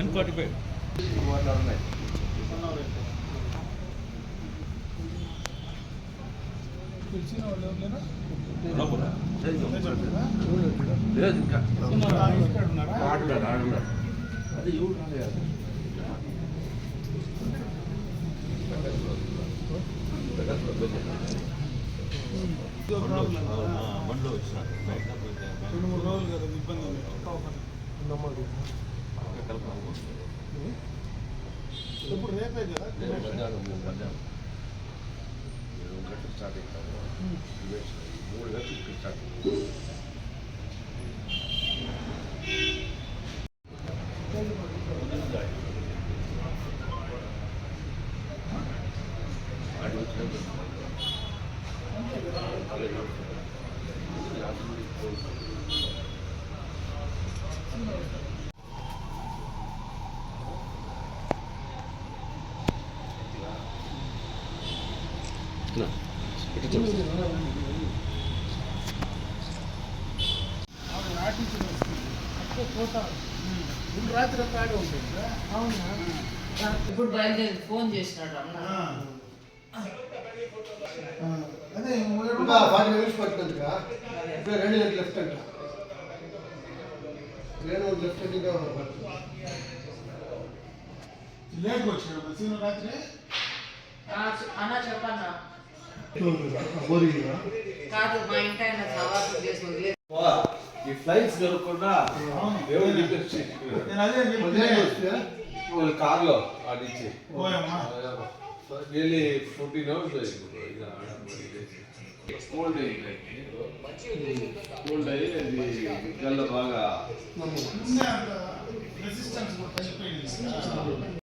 10:45. లేదు ఇంకా అది ఎవరు రాలేదు. బండ్లో వచ్చినాడు 2-3 రోజులు కదా ఇబ్బంది ఇప్పుడు రేపే కదా 7 గంటలకు స్టార్ట్ అవుతాము. 3 గంటలకు స్టార్ట్ రాత్రి ఆడే ఉంటుంది. అవునా ఇప్పుడు బయలుదేరి ఫోన్ చేసినాడు అన్న. అదే 40 నిమిషం పట్టుకుందిగా 2 గంటల లెఫ్ట్ అంట 2 లెఫ్ట్ ఇంకా లేట్గా వచ్చినాడు సీను రాత్రి. అన్న చెప్పన్నా బోరింగ్ కాదు మా ఇంటి ఆయన సవాసు చేసి వదిలేదు. ఈ ఫ్లైట్స్ దొరకకుండా దేవుడు నేను అదే చెప్పి వాళ్ళ కార్లో ఆడించి పోయమ్మా రియలీ 14 hours కోల్డ్ అయ్యి అది గల్ల బాగా రెసిస్టెన్స్ తగ్గిపోయింది.